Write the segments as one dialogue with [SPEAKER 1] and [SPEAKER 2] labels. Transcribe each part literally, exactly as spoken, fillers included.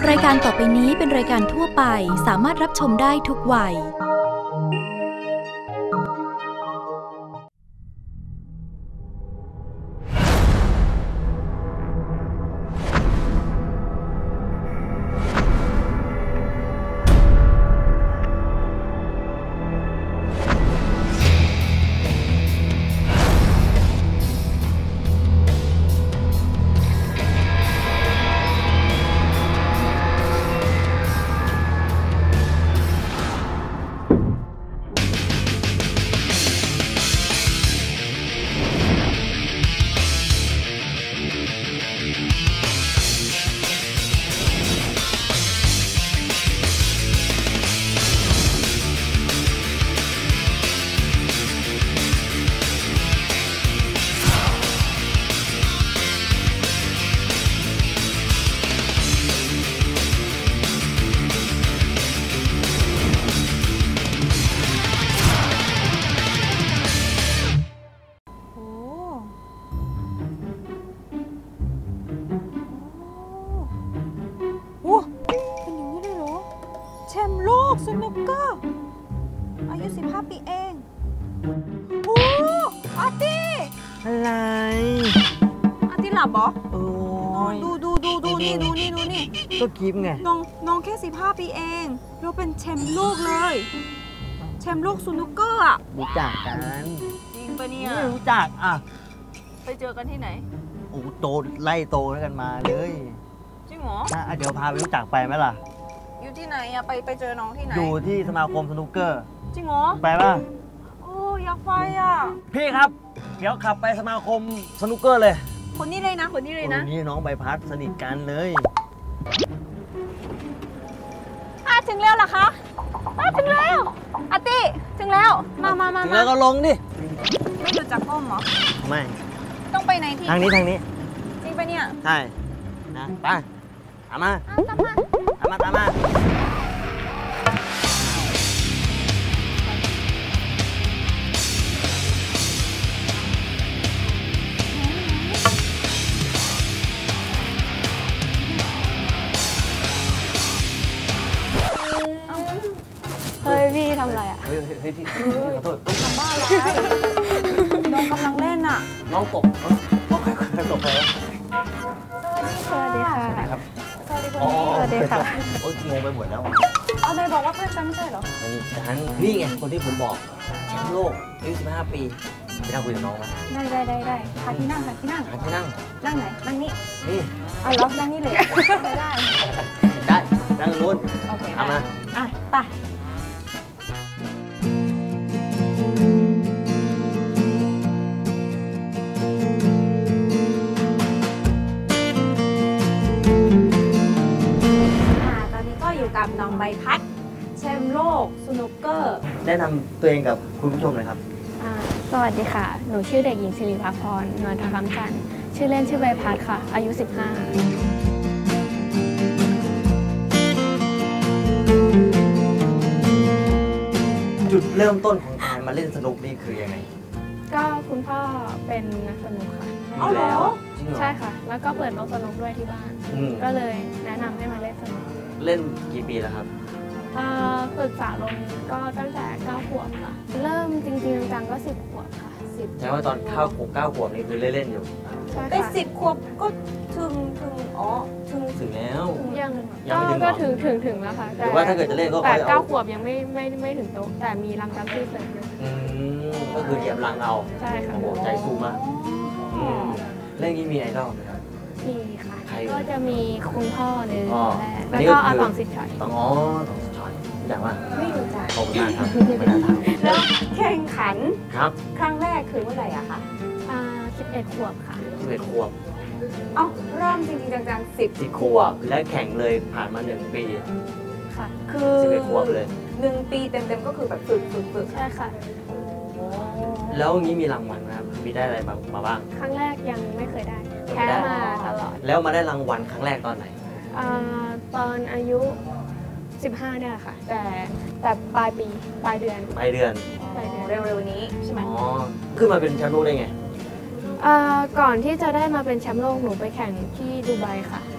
[SPEAKER 1] รายการต่อไปนี้เป็นรายการทั่วไปสามารถรับชมได้ทุกวัย
[SPEAKER 2] แชมป์โลกสนุกเกอร์อายุสิบห้าปีเองโอ้อาร์ตี้
[SPEAKER 3] อะไร
[SPEAKER 2] อาร์ตี้หลับเหรอ
[SPEAKER 3] โอ้ย
[SPEAKER 2] ดูดูดูดูนี่ดูนี่ดูนี่
[SPEAKER 3] ก็คลิปไง
[SPEAKER 2] น้องน้องแค่สิบห้าปีเองเราเป็นแชมป์โลกเลยแชมป์โลกสนุกเกอร์อะ
[SPEAKER 3] รู้จักกัน
[SPEAKER 2] จริงปะเนี่ย
[SPEAKER 3] ไม่รู้จักอ่ะ
[SPEAKER 2] ไปเจอกันที่ไหน
[SPEAKER 3] โอ้โตไล่โตแล้วกันมาเลย
[SPEAKER 2] จริงเหรอ
[SPEAKER 3] เดี๋ยวพาไปรู้จักไปไหมล่ะ
[SPEAKER 2] อยู่ที่ไหนอะไปไปเจอน้องที่ไหน
[SPEAKER 3] อยู่ที่สมาคมสนุกเกอร์
[SPEAKER 2] จริงเหรอ
[SPEAKER 3] ไปป่ะ
[SPEAKER 2] โอ้อยากไปอะ
[SPEAKER 3] พี่ครับเดี๋ยวขับไปสมาคมสนุกเกอร์เลย
[SPEAKER 2] คนนี้เลยนะคนนี้เลยนะ
[SPEAKER 3] นี่น้องใบพัดสนิทกันเลย
[SPEAKER 2] อ่ะถึงแล้วเหรอคะอ่ะถึงแล้วอาร์ตี้ถึงแล้วมามามา
[SPEAKER 3] ถึงแล้วก็ลงดิ
[SPEAKER 2] ไม่หยุดจากก้มเหรอ
[SPEAKER 3] ไม่
[SPEAKER 2] ต้องไปไหนที่
[SPEAKER 3] ทางนี้ทางนี้
[SPEAKER 2] จริงปะเนี่ย
[SPEAKER 3] ใช่นะไปตามมา
[SPEAKER 2] ตามมา
[SPEAKER 3] ตามมาตามมา
[SPEAKER 2] เฮ้ยพี่ทำอะไรอ่ะ
[SPEAKER 3] เฮ้ยเฮ้ยพี่ขอโทษ
[SPEAKER 2] ทำบ้าอะไรน้องกำลังเล่นอ่ะ
[SPEAKER 3] น้องตกตกใครใครตกใคร
[SPEAKER 2] สวัสดีค่ะ
[SPEAKER 3] สวัสดีครับ
[SPEAKER 2] สวัสดีคุณพี่สวัสดีค่ะ
[SPEAKER 3] โอ๊ยงงไปหมดแล้ว
[SPEAKER 2] เอาเลยบอกว่าเพื่อนฉันไม่ใช่เหรอ
[SPEAKER 3] ฉันนี่ไงคนที่ผมบอกแชมป์โลกอายุสิบห้าปีไปนั่งคุยกับน้องไหม
[SPEAKER 2] ได้ได้ได้ได้หาที่นั่งหาที่นั่ง
[SPEAKER 3] หาที่นั่ง
[SPEAKER 2] นั่งไหนนั่งนี่
[SPEAKER 3] นี่
[SPEAKER 2] เอาล็อกนั่งนี่เลยได้ได้
[SPEAKER 3] ได้นั่งนู้น
[SPEAKER 2] โอเค
[SPEAKER 3] เอามา
[SPEAKER 2] อ่ะไปอยู่กับน้องใบพัดแชมป์โลกสนุกเกอร์
[SPEAKER 3] แนะนำตัวเองกับคุณผู้ชมหน่อยครับ
[SPEAKER 4] สวัสดีค่ะหนูชื่อเด็กหญิงศิริภาพรนวลทองคำจันทร์ชื่อเล่นชื่อใบพัดค่ะอายุสิบห้า
[SPEAKER 3] จุดเริ่มต้นของการมาเล่นสนุกนี่คือยังไง
[SPEAKER 4] ก็คุณพ่อเป็นนักสนุกค่ะ
[SPEAKER 3] อ๋อเหรอ
[SPEAKER 4] ใช่ค่ะแล้วก็เปิดโต๊ะสนุกด้วยที่บ้านก็เลยแนะนำให้มาเล่นสนุก
[SPEAKER 3] เล่นกี่ปีแล้วครับ
[SPEAKER 4] ฝึกษาลงก็ตั้งแต่เก้าขวบค่ะเริ่มจริงๆจังก็สิบขวบค่ะสิบ
[SPEAKER 3] ใช่ว่าตอนเข้าขวบเก้าขวบนี่คือเล่นๆอยู่
[SPEAKER 2] ได้สิบขวบก็ถึงถึงอ๋อถึง
[SPEAKER 3] ถึงแล้ว
[SPEAKER 4] ยังก็ถึงถึงถึงแล้วค่ะ
[SPEAKER 3] แต่ว่าถ้าเกิดจะเล่นก็
[SPEAKER 4] แต่เก้าขวบยังไม่ไม่ไม่ถึงโต๊ะแต่มีรังจัมปี้เสร็จอยู่
[SPEAKER 3] ก็คือเหยียบรังเอา
[SPEAKER 4] ใช่ค่ะ
[SPEAKER 3] โอ้ใจสู้มากเล่นนี้มีไอดอลไหมครับ
[SPEAKER 4] มีค่ะก็จะมีคุณพ่อเลยแรก
[SPEAKER 3] แล้
[SPEAKER 4] วก็อาตองสิทธิ์ชัย
[SPEAKER 3] ตองอ๋อตองสิทธิ์ชัยรู้จักว่า
[SPEAKER 2] ไม่รู้จัก
[SPEAKER 3] ขอบคุณมากครับไม่น่าถาม
[SPEAKER 2] แล้วแข่งขัน
[SPEAKER 3] ครับ
[SPEAKER 2] ครั้งแรกคือเมื่อไหร่อะคะ
[SPEAKER 4] อ่าสิบเอ็ดขวบค่ะ
[SPEAKER 3] สิบเอ็ดขวบ
[SPEAKER 2] เอ้าเริ่มจริงๆจังๆสิบ
[SPEAKER 3] สิบขวบและแข่งเลยผ่านมาหนึ่งปี
[SPEAKER 4] ค่ะ
[SPEAKER 2] คือ
[SPEAKER 3] สิบเอ็ดขวบเลย
[SPEAKER 2] หนึ่งปีเต็มๆก็คือแบบฝึกฝึกฝึก
[SPEAKER 4] ใช่ค่ะ
[SPEAKER 3] แล้วงี้มีรางวัลนะครับมีได้อะไรมาบ้าง
[SPEAKER 4] ครั้งแรกยังไม่เคยได้แพ้มาตลอด
[SPEAKER 3] แล้วมาได้รางวัลครั้งแรกตอนไหน
[SPEAKER 4] ตอนอายุสิบห้าเนี่ยค่ะแต่แต่ปลายปีปลายเดือน
[SPEAKER 3] ปลายเดือน
[SPEAKER 4] ปลายเดือน
[SPEAKER 2] เร็วๆนี้ใช่ไหม
[SPEAKER 3] อ๋อขึ้นมาเป็นแชมป์โลกได้ไง
[SPEAKER 4] ก่อนที่จะได้มาเป็นแชมป์โลกหนูไปแข่งที่ดูไบค่ะ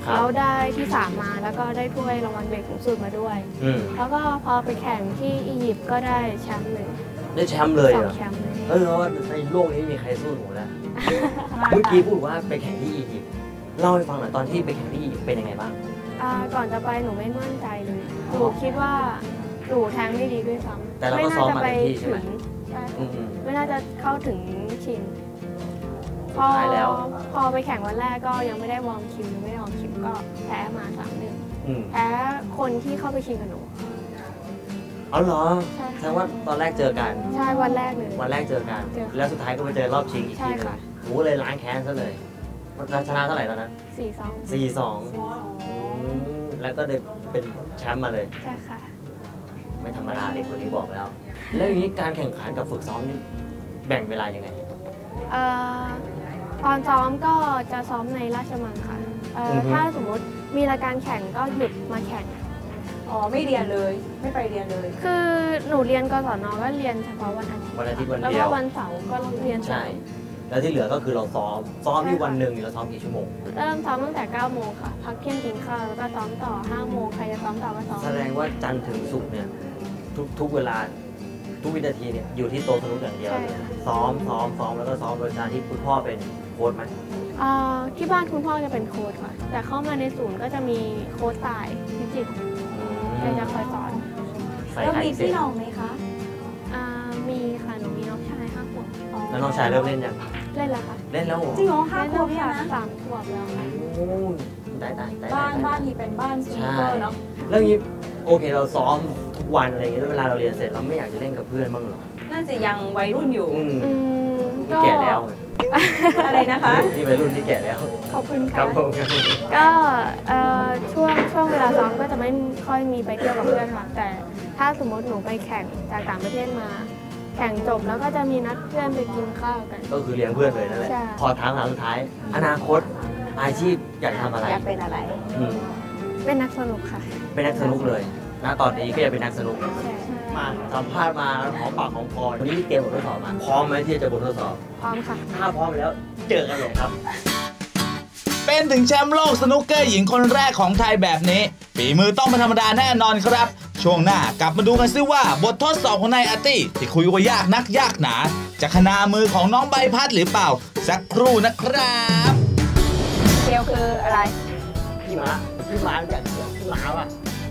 [SPEAKER 4] แล้วได้ที่สามมาแล้วก็ได้ถ้วยรางวัลเบรกสูงสุดมาด้วย
[SPEAKER 3] อืม
[SPEAKER 4] แล้วก็พอไปแข่งที่อียิปต์ก็ได้แชมป์เลย
[SPEAKER 3] ได้แชมป์เลย
[SPEAKER 4] สอ
[SPEAKER 3] เหรง อ
[SPEAKER 4] แชมป์เลย
[SPEAKER 3] เออเพราะว่าในโลกนี้ไม่มีใครสู้หนูแล้ว เมื่อกี้พูดว่าไปแข่งที่อียิปต์เล่าให้ฟังหน่อยตอนที่ไปแข่งที่อียิปต์เป็นยังไงบ้าง
[SPEAKER 4] อ่าก่อนจะไปหนูไม่มั่นใจเลยหนูคิดว่าหนูแทงไม่ดีด้วยซ้ำ
[SPEAKER 3] แต่เรา
[SPEAKER 4] ไม่
[SPEAKER 3] ก็
[SPEAKER 4] น่า
[SPEAKER 3] ซ้อม
[SPEAKER 4] จะ
[SPEAKER 3] มา
[SPEAKER 4] ไป
[SPEAKER 3] เต็มที่ใช่
[SPEAKER 4] ถึ
[SPEAKER 3] ไหม
[SPEAKER 4] งใช่
[SPEAKER 3] อืม
[SPEAKER 4] ไม่น่าจะเข้าถึงชิงพอ
[SPEAKER 3] สุดท้ายแล้ว
[SPEAKER 4] พอไปแข่งวันแรกก็ยังไม่ได้วอร์มคิวยังไม่ได้วอร์มคิวก็แพ้มาสามหนึ่ง
[SPEAKER 3] อืม
[SPEAKER 4] แพ้คนที่เข้าไปชิงกับหนู
[SPEAKER 3] เอาเหรอ
[SPEAKER 4] ใช่
[SPEAKER 3] แสดงว่าตอนแรกเจอกัน
[SPEAKER 4] ใช่วันแรกเลย
[SPEAKER 3] วันแรกเจอกัน
[SPEAKER 4] เจอ
[SPEAKER 3] แล้วสุดท้ายก็ไปเจอรอบชิงอีก
[SPEAKER 4] ใช่
[SPEAKER 3] ทีนึง
[SPEAKER 4] ค่ะ
[SPEAKER 3] หนูก็เลยล้างแค้นซะเลยชนะเท่าไหร่ตอนนั้น
[SPEAKER 4] สี่สอง
[SPEAKER 3] สี่สองแล้วก็ได้เป็นแชมป์มาเลย
[SPEAKER 4] ใช่ค่ะ
[SPEAKER 3] ไม่ธรรมดาเด็กคนนี้บอกแล้ว แล้วอย่างนี้การแข่งขันกับฝึกซ้อมนี่แบ่งเวลายังไง
[SPEAKER 4] เอ่อตอนซ้อมก็จะซ้อมในราชมังค่ะเอ่ออ
[SPEAKER 3] อฮึ
[SPEAKER 4] ถ้าสมมติมีรายการแข่งก็หยุดมาแข่ง
[SPEAKER 2] อ๋อ ไม่เรียนเลย ไม่ไปเรียนเลย
[SPEAKER 4] คือหนูเรียนกศนก็เรียนเฉพาะวันอาทิตย์
[SPEAKER 3] วันอาทิตย์วัน
[SPEAKER 4] แล้ว
[SPEAKER 3] เดี
[SPEAKER 4] ก็
[SPEAKER 3] ยว
[SPEAKER 4] วันเสาร์ก็เรียน
[SPEAKER 3] ใช่ แล้วที่เหลือก็คือเราซ้อม ซ้อมที่วันหนึ่งเราซ้อมกี่ชั่วโมง
[SPEAKER 4] เริ่มซ้อมตั้งแต่เก้าโมงค่ะ พักเที่ยงกินข้าวแล้วก็ซ้อมต่อห้าโมงใครจะซ้อมต่อก็ซ้อม
[SPEAKER 3] แสดงว่าจันทร์ถึงศุกร์เนี่ยทุกทุกเวลาทุกวินาทีเนี่ยอยู่ที่โต๊ะสนุกอย่างเดียวเลยซ้อมซ้อมซ้อมแล้วก็ซ้อมโดยการที่คุณพ่อเป็นโค้ชไหม
[SPEAKER 4] เอ่อที่บ้านคุณพ่อจะเป็นโค้ชค่ะ แต่เข้ามาในศูนย์ก็จะมีโค้ชตายพิจิตรแกจะคอยสอน
[SPEAKER 3] ใส่
[SPEAKER 2] แล้ว
[SPEAKER 3] ไข่
[SPEAKER 2] มี
[SPEAKER 3] เสร็
[SPEAKER 2] พี่
[SPEAKER 3] จ
[SPEAKER 2] น้องไหมคะ
[SPEAKER 4] อ่ามีค่ะหนูมีน้องชายห้าขวบ
[SPEAKER 3] แล้วน้องชายเริ่มเล่นยัง
[SPEAKER 4] เล่นแล้วค่ะ
[SPEAKER 3] เล่นแล้วเหรอ
[SPEAKER 2] จริงเหรอห้า
[SPEAKER 4] เล่น
[SPEAKER 2] ขว
[SPEAKER 4] ตั้
[SPEAKER 2] บ
[SPEAKER 4] ง
[SPEAKER 2] เนี่ย
[SPEAKER 4] แต่
[SPEAKER 2] นะ
[SPEAKER 4] สามขวบแล้วค่ะ
[SPEAKER 3] โอ้ได้ได้ได้
[SPEAKER 2] บ้าน
[SPEAKER 3] ได้
[SPEAKER 2] บ้านนี้เป็นบ้านสนุก
[SPEAKER 3] ใช่
[SPEAKER 2] เกอร์เนาะ
[SPEAKER 3] แล้วอย่างนี้โอเคเราซ้อมทุกวันอะไรอย่างเงี้ยแล้วเวลาเราเรียนเสร็จเราไม่อยากจะเล่นกับเพื่อนบ้างเหรอ
[SPEAKER 2] น่าจะยังวัยรุ่นอยู่
[SPEAKER 3] อืม
[SPEAKER 4] อืม
[SPEAKER 3] นี่
[SPEAKER 4] ก็
[SPEAKER 3] แก่แล้วไง
[SPEAKER 2] อะไรนะคะ
[SPEAKER 3] นี่วัยรุ่นที่แก่แล้ว
[SPEAKER 4] ขอบคุณ
[SPEAKER 3] ครั
[SPEAKER 4] ค่ะ
[SPEAKER 3] บผมครับผม
[SPEAKER 4] ก็เอ่อช่วงช่วงเวลาซ้อมก็จะไม่ค่อยมีไปเที่ยวกับเพื่อนค่ะ แต่ถ้าสมมติหนูไปแข่งจากต่างประเทศมา แข่งจบแล้วก็จะมีนัดเพื่อนไปกินข้าวกัน
[SPEAKER 3] ก็คือเลี้ยงเพื่อนเลยนั่นแหละ
[SPEAKER 4] ใช่
[SPEAKER 3] พอถามหาสุดท้าย อนาคตอาชีพอยากทำอะไร
[SPEAKER 2] อยากเป็นอะไร
[SPEAKER 3] อืม
[SPEAKER 4] เป็นนักสนุกค่ะ
[SPEAKER 3] เป็นนักสนุกเลยณตอนนี้ก็อยากเป็นนักสนุก
[SPEAKER 4] ใช่
[SPEAKER 3] มาสัมภาษณ์มาหอมปากหอมคอวันนี้เตรียมบททดสอบมาพร้อมไหมที่จะบททดสอบ
[SPEAKER 4] พร้อมค่ะ
[SPEAKER 3] ถ้าพร้อมแล้วเจอกันเลยครับ
[SPEAKER 5] เป็นถึงแชมป์โลกสนุกเกอร์หญิงคนแรกของไทยแบบนี้ฝีมือต้องไม่ธรรมดาแน่นอนครับ ช่วงหน้ากลับมาดูกันซิว่าบททดสอบของนายอาร์ตี้ที่คุยว่ายากนักยากหนา จะขนามือของน้องใบพัดหรือเปล่า สักครู่นะครับ
[SPEAKER 2] เกลคืออะไร
[SPEAKER 3] พี่ม้าพี่ม้าอยากพี่ม้าว่ะ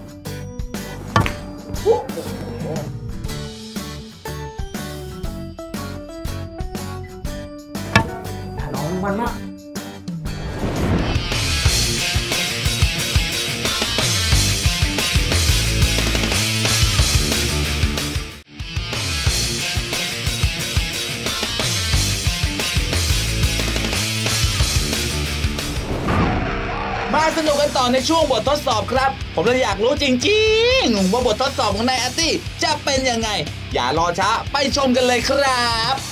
[SPEAKER 3] น้องมันมาก
[SPEAKER 5] มาสนุกกันต่อในช่วงบททดสอบครับ ผมเลยอยากรู้จริงๆว่าบททดสอบของนายอาร์ตี้จะเป็นยังไง อย่ารอช้าไปชมกันเลยครับ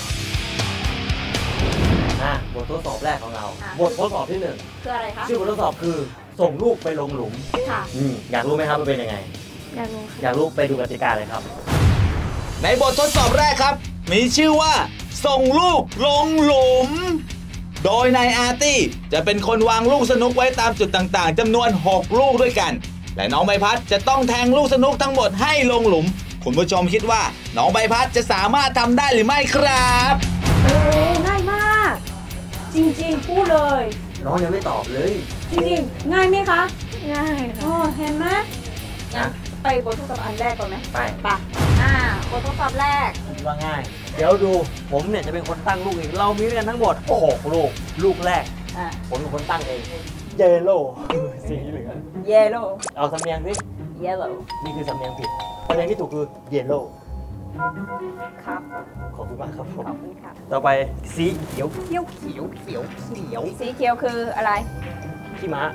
[SPEAKER 3] อ่ะบททดสอบแรกของเรา
[SPEAKER 2] อ่ะ
[SPEAKER 3] บททดสอบที่หนึ่ง
[SPEAKER 2] คืออะไรคะ
[SPEAKER 3] ชื่อบททดสอบคือส่งลูกไปลงหลุม
[SPEAKER 2] ค่ะ
[SPEAKER 3] อืมอยากรู้ไหมครับมันเป็นยังไง
[SPEAKER 4] อยากรู้ค่ะ
[SPEAKER 3] อยากรู้ไปดูกติกาเลยครับ
[SPEAKER 5] ในบททดสอบแรกครับ มีชื่อว่า ส่งลูกลงหลุม โดยนายอาร์ตี้จะเป็นคนวางลูกสนุกไว้ตามจุดต่างๆจำนวน หก ลูกด้วยกัน และน้องใบพัดจะต้องแทงลูกสนุกทั้งหมดให้ลงหลุม คุณผู้ชมคิดว่าน้องใบพัดจะสามารถทำได้หรือไม่ครับ
[SPEAKER 2] โอ้ง่ายมาก จริงๆ พูดเลย
[SPEAKER 3] น้องยังไม่ตอบเลย
[SPEAKER 2] จริงๆ ง่ายไหมคะ
[SPEAKER 4] ง่ายค่ะ
[SPEAKER 2] โอ้เห็นไหม
[SPEAKER 3] นะ
[SPEAKER 2] ไปบททดสอบอันแรกก่อนไหม
[SPEAKER 3] ไป
[SPEAKER 2] ไปอ่าบททดสอบแรก
[SPEAKER 3] ว่าง่าย เดี๋ยวดูผมเนี่ยจะเป็นคนตั้งลูกเองเรามีด้วยกันทั้งหมดหกลูก ลูกแรก
[SPEAKER 2] อ่า
[SPEAKER 3] ผมเป็นคนตั้งเองเยลโล่สีเหลือง
[SPEAKER 2] เยลโล่
[SPEAKER 3] เอาสำเนียงสิ
[SPEAKER 2] เยลโล่
[SPEAKER 3] นี่คือสำเนียงผิดสำเนียงที่ถูกคือเยลโล่
[SPEAKER 2] ครับ
[SPEAKER 3] ขอบคุณมากครับผม
[SPEAKER 2] ขอบคุณค่ะ
[SPEAKER 3] ต่อไปสีเขียวเขียวเขียวเขียวเขียว
[SPEAKER 2] สีเขียวคืออะไร
[SPEAKER 3] ขี้ม้า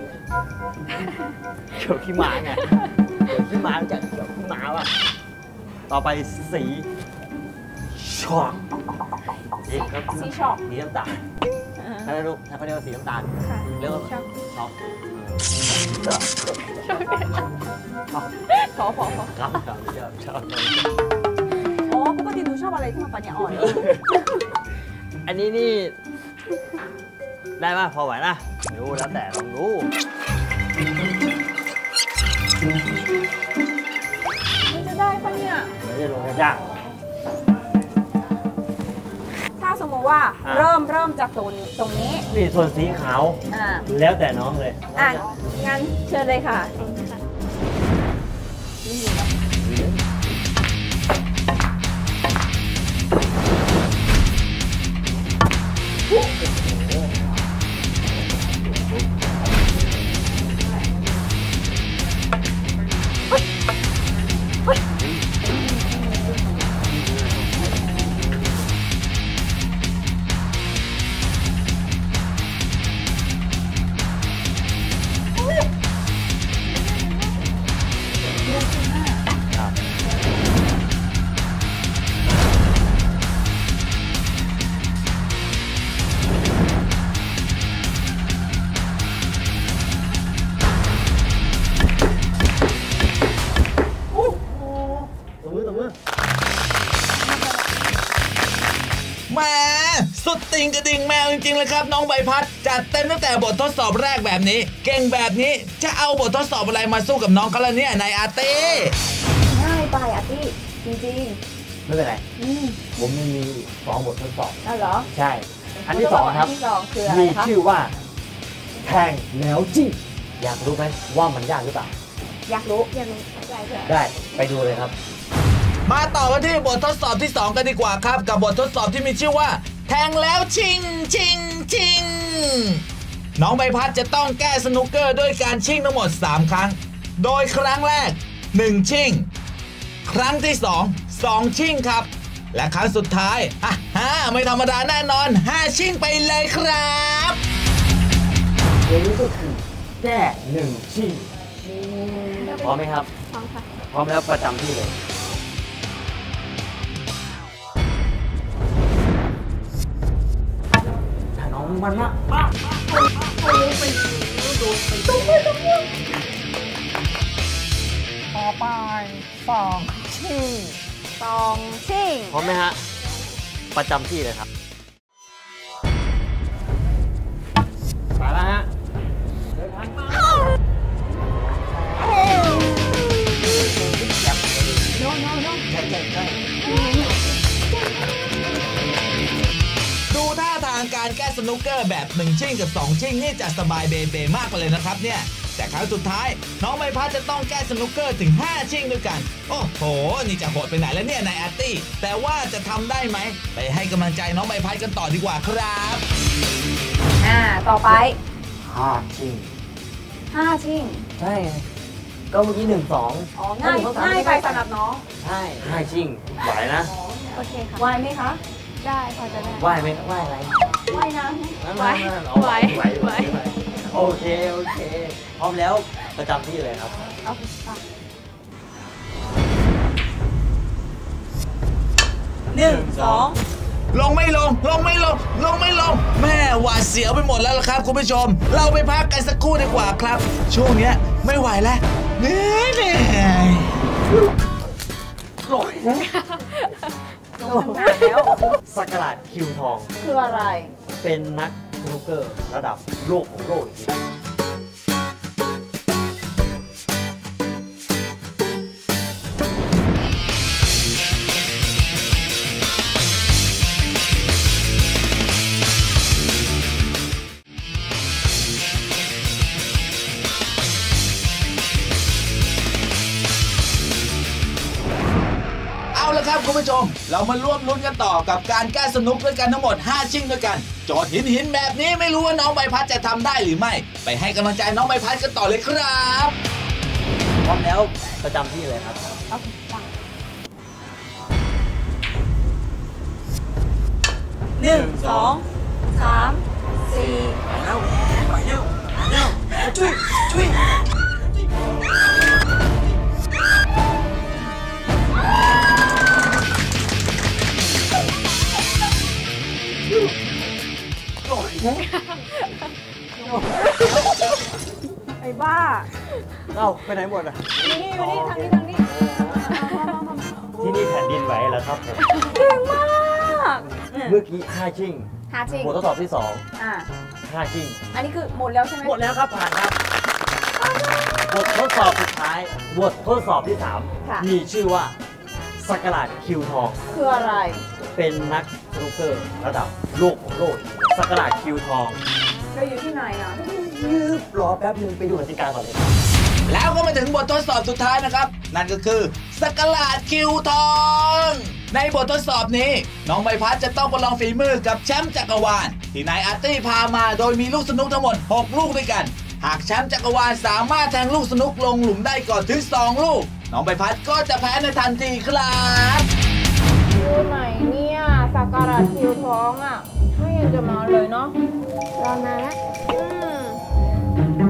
[SPEAKER 3] เขียวขี้ม้าไงเขียวขี้ม้าจากเขียวขี้ม้าว่ะต่อไปสีช็อกสีครับ
[SPEAKER 2] สีช็อก
[SPEAKER 3] สีน้ำตาล
[SPEAKER 2] อ่า
[SPEAKER 3] ถ้าเรียกถ้าเขาเรียกว่าสีน้ำตาล
[SPEAKER 2] ค่ะ
[SPEAKER 3] เรียกว่า
[SPEAKER 2] ช็อก
[SPEAKER 3] ช็อก
[SPEAKER 2] พอพอพอ
[SPEAKER 3] ครับครับชอบชอบ
[SPEAKER 2] อ๋อปกติหนูชอบอะไรที่มันปัญญาอ่อน
[SPEAKER 3] อันนี้นี่ ได้ป่ะพอไหวนะรู้แล้วแต่ลองรู้
[SPEAKER 2] มันจะได้ปะเนี่ย
[SPEAKER 3] ไม่ได้ลงยาก
[SPEAKER 2] ถ้าสมมติว่า
[SPEAKER 3] อ่ะ
[SPEAKER 2] เริ่มเริ่มจากตรงตรงนี้
[SPEAKER 3] นี่ส่วนสีขาว
[SPEAKER 2] อ่า
[SPEAKER 3] แล้วแต่น้องเลย
[SPEAKER 2] อ่ะ งั้นเชิญเลยค่ะ
[SPEAKER 3] ตบมือตบมือ
[SPEAKER 5] แหม่สุดติ่งกระดิ่งแมวจริงๆเลยครับน้องใบพัดจัดเต็มตั้งแต่บททดสอบแรกแบบนี้ เก่งแบบนี้จะเอาบททดสอบอะไรมาสู้กับน้องกันล่ะเนี่ยนายอาร์ตี้
[SPEAKER 2] ง่ายไปอ่ะพี่จริง
[SPEAKER 3] ไม่เป็นไร
[SPEAKER 2] ๆ อืม
[SPEAKER 3] ผมยังมีสองบททดสอบ
[SPEAKER 2] เอาเหรอ
[SPEAKER 3] ใช่ อันที่สองครับ
[SPEAKER 2] อันที่สองคืออะไร
[SPEAKER 3] มี
[SPEAKER 2] คะ
[SPEAKER 3] ชื่อว่าแทงแล้วจิ้มอยากรู้ไหมว่ามันยากหรือเปล่า
[SPEAKER 2] อยากรู้
[SPEAKER 4] อยากรู้ใจเถอะ
[SPEAKER 3] ได้ไปดูเลยครับ
[SPEAKER 5] มาต่อกันที่บททดสอบที่สองกันดีกว่าครับ กับบททดสอบที่มีชื่อว่า แทงแล้วชิงชิงชิงน้องใบพัดจะต้องแก้สนุกเกอร์ด้วยการชิงทั้งหมดสามครั้ง โดยครั้งแรกหนึ่งชิงครั้งที่สองสองชิงครับ และครั้งสุดท้ายฮ่าฮ่าไม่ธรรมดาแน่นอนห้าชิงไปเลยครับ
[SPEAKER 3] เดี๋ยวนี้ก็คือแก้หนึ่งชิ้นพร้อมไหมครับ
[SPEAKER 4] พร้อมค่ะ
[SPEAKER 3] พร้อมแล้วประจำที่เลยถ้าน้องมันนะป้าโดนไปโดนไปต่อไปสองชิ้น
[SPEAKER 2] สองชิง
[SPEAKER 3] พร้อมไหมฮะ ประจำที่เลยครับไปแล้วฮะเดินทางมาโน้โน้โน้ใช่ใช่ใช่
[SPEAKER 5] ดูท่าทางการแก้สนุกเกอร์แบบหนึ่งชิ่งกับสองชิ่งนี่จะสบายเบเบมากไปเลยนะครับเนี่ยแต่ครั้งสุดท้ายน้องใบพัดจะต้องแก้สนุกเกอร์ถึงห้าชิ่งด้วยกันโอ้โหนี่จะโหดไปไหนแล้วเนี่ยนายอาร์ตี้แต่ว่าจะทำได้ไหมไปให้กำลังใจน้องใบพัดกันต่อดีกว่าครับ
[SPEAKER 2] อ่า ต่อไป
[SPEAKER 3] ห้าชิง
[SPEAKER 2] ห้าชิง
[SPEAKER 3] ใช่ไงก็เมื่อกี้หนึ่งสอง
[SPEAKER 2] อ๋อ ง่ายง่ายไปสำหรับน้อง
[SPEAKER 3] ใช่ห้าชิงไหวนะ
[SPEAKER 4] โอเคค่ะ
[SPEAKER 2] ไหวไหมคะ
[SPEAKER 4] ได้พอจะได้
[SPEAKER 3] ไหวไหมไหวอะไร
[SPEAKER 2] ไหวนะ
[SPEAKER 4] ไหว
[SPEAKER 3] เอาไหว
[SPEAKER 4] ไหว
[SPEAKER 3] ไหวไหวโอเคโอเคพร้อมแล้วประจำที่เลยครับ
[SPEAKER 2] เอาค่ะหนึ่งสอง
[SPEAKER 5] ลงไม่ลง ลงไม่ลง ลงไม่ลง แม่หวาดเสียวไปหมดแล้วล่ะครับคุณผู้ชม เราไปพักกันสักครู่ดีกว่าครับ ช่วงเนี้ยไม่ไหวแล้วเหนื่อยเหนื่อย
[SPEAKER 3] ลง
[SPEAKER 2] ลงนานแล้ว
[SPEAKER 3] สักการะคิวทอง
[SPEAKER 2] คืออะไร
[SPEAKER 3] เป็นนักสนุกเกอร์ระดับโลกของโลกอีกที
[SPEAKER 5] เอาละครับคุณผู้ชม เรามาร่วมลุ้นกันต่อกับการแก้สนุกด้วยกันทั้งหมดห้าชิ่งด้วยกัน โจทย์หินหินแบบนี้ไม่รู้ว่าน้องใบพัดจะทำได้หรือไม่ ไปให้กำลังใจน้องใบพัดกันต่อเลยครับ
[SPEAKER 3] พร้อมแล้วประจำที่เลยครับ
[SPEAKER 2] เอาฟังหนึ่งสองสามสี่
[SPEAKER 3] ไปแล้วไปแล้วไปแล้วจุ้ยจุ้ย
[SPEAKER 2] ไอ้บ้า
[SPEAKER 3] เอ้าไปไหนหมดอ่ะ
[SPEAKER 2] นี่นี่อยู่นี่ทางนี้ทางนี้
[SPEAKER 3] ที่นี่แผ่นดินไหวแล้วครับผม
[SPEAKER 2] เก่งมาก
[SPEAKER 3] เมื่อกี้ห้าชิ่ง
[SPEAKER 2] หาจริง
[SPEAKER 3] บททดสอบที่สอง
[SPEAKER 2] อ่า
[SPEAKER 3] แทค่าชิ่ง
[SPEAKER 2] อันนี้คือหมดแล้วใช่ไหม
[SPEAKER 3] หมดแล้วครับผ่านครับบททดสอบสุดท้ายบททดสอบที่สาม
[SPEAKER 2] ค่ะ
[SPEAKER 3] มีชื่อว่าสักราชคิวทอง
[SPEAKER 2] คืออะไร
[SPEAKER 3] เป็นนักสนุกเกอร์ระดับโลกของโลกสักราชคิวทอง
[SPEAKER 2] เราอยู่ที่ไหนอ่ะ
[SPEAKER 3] ยืบรอแป๊บนึงไปดูกติกาก่อนเลยครับ
[SPEAKER 5] แล้วก็มาถึงบททดสอบสุดท้ายนะครับ นั่นก็คือสักราชคิวทอง ในบททดสอบนี้ น้องใบพัดจะต้องประลองฝีมือกับแชมป์จักรวาลที่นายอาร์ตี้พามาโดยมีลูกสนุกทั้งหมดหกลูกด้วยกัน หากแชมป์จักรวาลสามารถแทงลูกสนุกลงหลุมได้ก่อนถึงสองลูก น้องใบพัดก็จะแพ้ในทันทีครับ
[SPEAKER 2] อยู่ไหนเนี่ยสักการะคิวท้องอ่ะไม่ยังจะมาเลยเนาะ
[SPEAKER 4] รอนานละ
[SPEAKER 2] อืม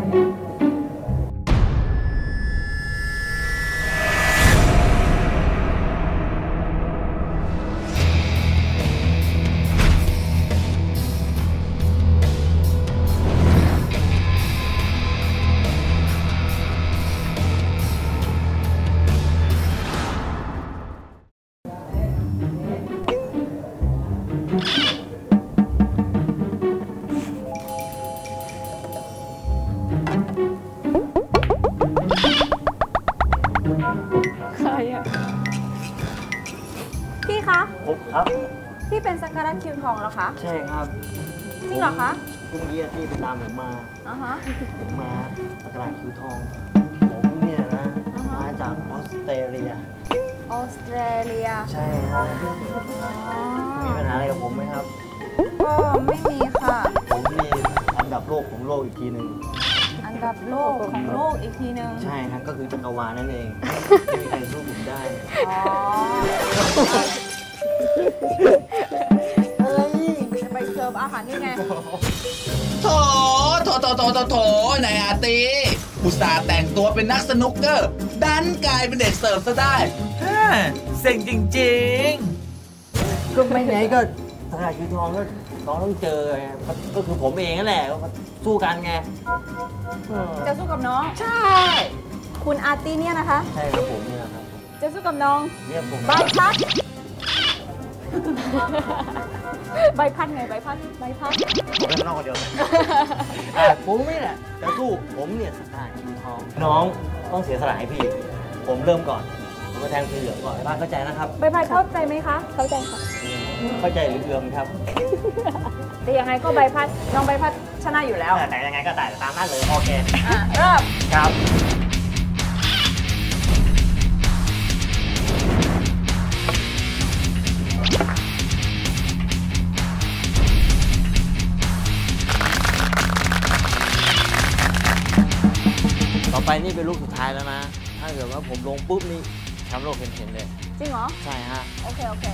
[SPEAKER 4] ใครอะ
[SPEAKER 2] พี่คะ
[SPEAKER 3] ผมครับ
[SPEAKER 2] พี่เป็นสักการะคิวทองเหรอคะ
[SPEAKER 3] ใช่ครับ
[SPEAKER 2] จริงเหรอคะ
[SPEAKER 3] เมื่อกี้ที่ไปตามผมมา
[SPEAKER 2] อ่าฮะ
[SPEAKER 3] ผมมาสักราชคิวทองผมเนี่ยนะ
[SPEAKER 2] อ่าฮะ
[SPEAKER 3] มาจากออสเตรเลีย
[SPEAKER 2] ออสเตรเลีย
[SPEAKER 3] ใช่ครับ
[SPEAKER 2] อ๋อ
[SPEAKER 3] มีปัญหาอะไรกับผมไหมครับ
[SPEAKER 2] ก็ไม่มีค่ะ
[SPEAKER 3] ผมมีอันดับโลกของโลกอีกทีหนึ่ง
[SPEAKER 2] อันดับโลกของโลกอีกทีนึง
[SPEAKER 3] ใช่ครับก็คือจักรวาลนั่นเอง ไม่มีใครสู้ผมได้
[SPEAKER 2] อ๋อเอ้ยจะไปเสิร์ฟอาหารนี่ไง
[SPEAKER 5] โถโถโถโถโถโถนายอาร์ตี้อุตส่าห์แต่งตัวเป็นนักสนุกเกอร์ ดันกลายเป็นเด็กเสิร์ฟซะได้ฮ่าเซ็งจริงๆ
[SPEAKER 3] ก็ไม่ไหนก็สักราชคิวทองก็น้องต้องเจอไงก็ก็คือผมเองนั่นแหละก็สู้กันไงเออ
[SPEAKER 2] จะสู้กับน้อง
[SPEAKER 3] ใช่
[SPEAKER 2] คุณอาร์ตี้เนี่ยนะคะ
[SPEAKER 3] ใช่ครับผมเนี่ยนะครับ
[SPEAKER 2] จะสู้กับน้อง
[SPEAKER 3] เนี่ยผม
[SPEAKER 2] ใบพัด ใบพัดไงใบพัดใบพัด
[SPEAKER 3] ผมเป็นน้องคนเดียว อ่ะผมนี่แหละจะสู้ผมเนี่ยสักราชคิวทอง น้องต้องเสียสละให้พี่ ผมเริ่มก่อน ผมมาแทงสีเหลืองก่อนบ้านเข้าใจนะครับ
[SPEAKER 2] ใบพัดเข้าใจไหมคะ
[SPEAKER 4] เข้าใจค่ะ
[SPEAKER 3] เข้าใจหรือเอือมครับ
[SPEAKER 2] แต่ยังไงก็ใบพัดน้องใบพัดชนะอยู่แล้ว
[SPEAKER 3] แต่ยังไงก็แต่ตามนั้นเลยโอเค
[SPEAKER 2] อ่ะเริ่ม
[SPEAKER 3] ครับ ต่อไปนี่เป็นลูกสุดท้ายแล้วนะ ถ้าเกิดว่าผมลงปุ๊บนี่แชมป์โลกเห็นๆเลย
[SPEAKER 2] จริงเหรอ
[SPEAKER 3] ใช่ฮะ
[SPEAKER 2] โอเค โอเค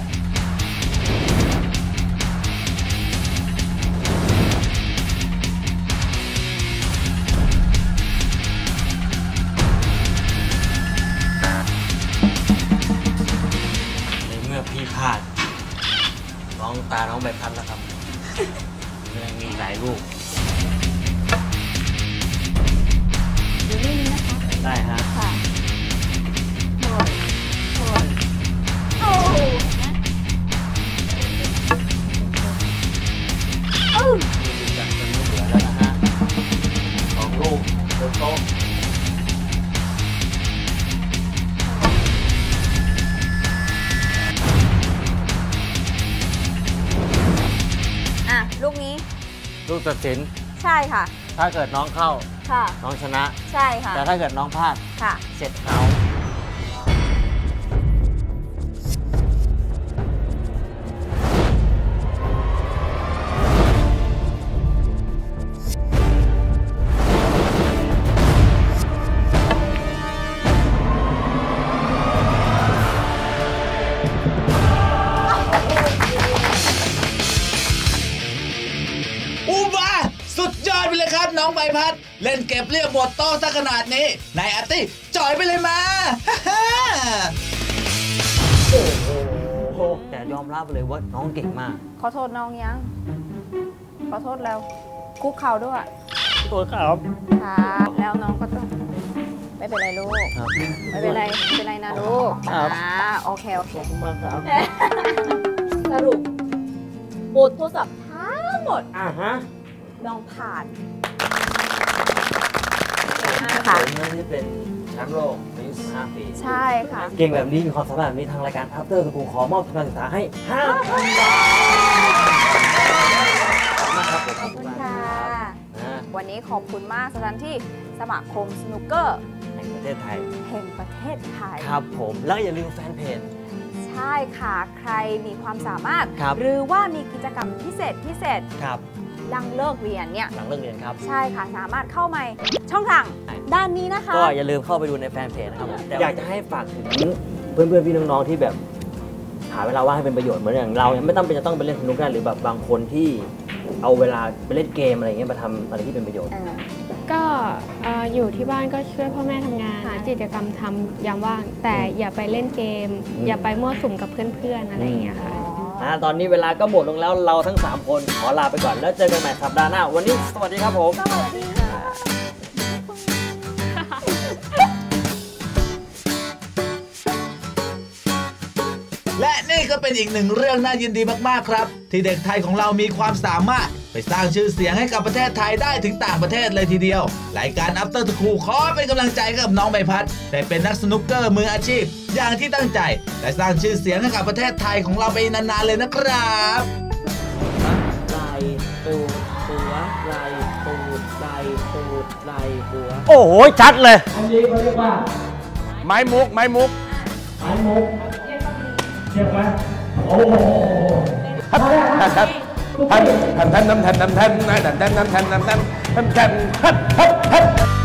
[SPEAKER 3] ในเมื่อพี่พลาด น้องตาน้องใบพัดแล้วครับ ยังมีหลายลูก
[SPEAKER 2] อยู่นี่นี่นะคะ
[SPEAKER 3] ได้ฮะ
[SPEAKER 2] ค่ะโอ้ยโอ้ยโอ้ยเอ้า
[SPEAKER 3] มีจัดเป็นลูกเหลือแล้วนะฮะสองลูกบนโต๊ะ
[SPEAKER 2] อ่ะ ลูกนี้
[SPEAKER 3] ลูกตัดสิน
[SPEAKER 2] ใช่ค่ะ
[SPEAKER 3] ถ้าเกิดน้องเข้า
[SPEAKER 2] ค่ะ
[SPEAKER 3] น้องชนะ
[SPEAKER 2] ใช่ค่ะ
[SPEAKER 3] แต่ถ้าเกิดน้องพลาด
[SPEAKER 2] ค่ะ
[SPEAKER 3] เสร็จเขา
[SPEAKER 5] อุบาสุดยอดไปเลยครับน้องใบพัด เล่นเก็บเรียบหมดโต๊ะซะขนาดนี้นายอาร์ตี้จ่อยไปเลยมา ฮ่า
[SPEAKER 3] โอ้โหแต่ยอมรับเลยว่าน้องเก่งมาก
[SPEAKER 2] ขอโทษน้องยัง ขอโทษแล้ว คุกเข่าด้วย
[SPEAKER 3] ตัวครับ
[SPEAKER 2] ค่ะ แล้วน้องก็ต้อง ไม่เป็นไรลูก
[SPEAKER 3] ครับ
[SPEAKER 2] ไม่เป็นไร ไม่เป็นไรนะลูก
[SPEAKER 3] ครับ
[SPEAKER 2] อ่าโอเค โอเค
[SPEAKER 3] ขอบคุณมากครับ
[SPEAKER 2] สรุปบททดสอบทั้งหมด
[SPEAKER 3] อ่าฮะ
[SPEAKER 2] น้องผ่าน
[SPEAKER 3] ค่ะผมนี่เป็นแชมป์โลกอายุสิบห้าปี
[SPEAKER 2] ใช่ค่ะ
[SPEAKER 3] เก่งแบบนี้มีความสามารถแบบนี้ทางรายการ After School ขอมอบทุนการศึกษาให้ห้าพันบาทขอบคุณมากครับผม
[SPEAKER 2] ขอบคุณค่ะ
[SPEAKER 3] นะ
[SPEAKER 2] วันนี้ขอบคุณมากสถานที่สมาคมสนุกเกอร์
[SPEAKER 3] แห่งประเทศไทย
[SPEAKER 2] แห่งประเทศไทย
[SPEAKER 3] ครับผมแล้วก็อย่าลืมแฟนเพจ
[SPEAKER 2] ใช่ค่ะ ใครมีความสามารถ
[SPEAKER 3] ครับ
[SPEAKER 2] หรือว่ามีกิจกรรมพิเศษพิเศษ
[SPEAKER 3] ครับ
[SPEAKER 2] หลังเลิกเรียนเนี่ย
[SPEAKER 3] หลังเลิกเรียนครับ
[SPEAKER 2] ใช่ค่ะ สามารถเข้ามาช่องทางด้านนี้นะคะ
[SPEAKER 3] ก็อย่าลืมเข้าไปดูในแฟนเพจนะครับผมอยากจะให้ฝากถึงเพื่อนๆพี่น้องๆที่แบบหาเวลาว่างให้เป็นประโยชน์เหมือนอย่างเราเนี่ยไม่ต้องเป็นจะต้องไปเล่นสนุกได้หรือแบบบางคนที่เอาเวลาไปเล่นเกมอะไรอย่างเงี้ยมาทำอะไรที่เป็นประโยชน์
[SPEAKER 2] เออ
[SPEAKER 4] ก็เอ่ออยู่ที่บ้านก็ช่วยพ่อแม่ทำงานหากิจกรรมทำยามว่าง แต่อย่าไปเล่นเกม
[SPEAKER 3] อืม
[SPEAKER 4] อย่าไปมั่วสุมกับเพื่อนๆอะไรอย่างเงี้ยค่ะ
[SPEAKER 3] อ่าตอนนี้เวลาก็หมดลงแล้วเราทั้งสามคนขอลาไปก่อนแล้วเจอกันใหม่สัปดาห์หน้าวันนี้สวัสดีครับผม
[SPEAKER 2] สวัสดีค่ะ
[SPEAKER 5] และนี่ก็เป็นอีกหนึ่งเรื่องน่ายินดีมากๆครับ ที่เด็กไทยของเรามีความสามารถไปสร้างชื่อเสียงให้กับประเทศไทยได้ถึงต่างประเทศเลยทีเดียวรายการ After School ขอเป็นกำลังใจให้กับน้องใบพัดได้เป็นนักสนุกเกอร์มืออาชีพ อย่างที่ตั้งใจและสร้างชื่อเสียงให้กับประเทศไทยของเราไปนานๆเลยนะครับ
[SPEAKER 3] ไหลปูหัวไหลปูไหลปูไหลหัว
[SPEAKER 6] โอ้โห ชัดเลย
[SPEAKER 7] อันนี้เขาเรียกว่า
[SPEAKER 6] ไม้มุก ไม้มุก
[SPEAKER 7] ไม้มุกเจ็บไหมโอ้โห
[SPEAKER 6] ทันทันทันทันทันทันทันทันทันทันทันทันทันทันทันทันทัน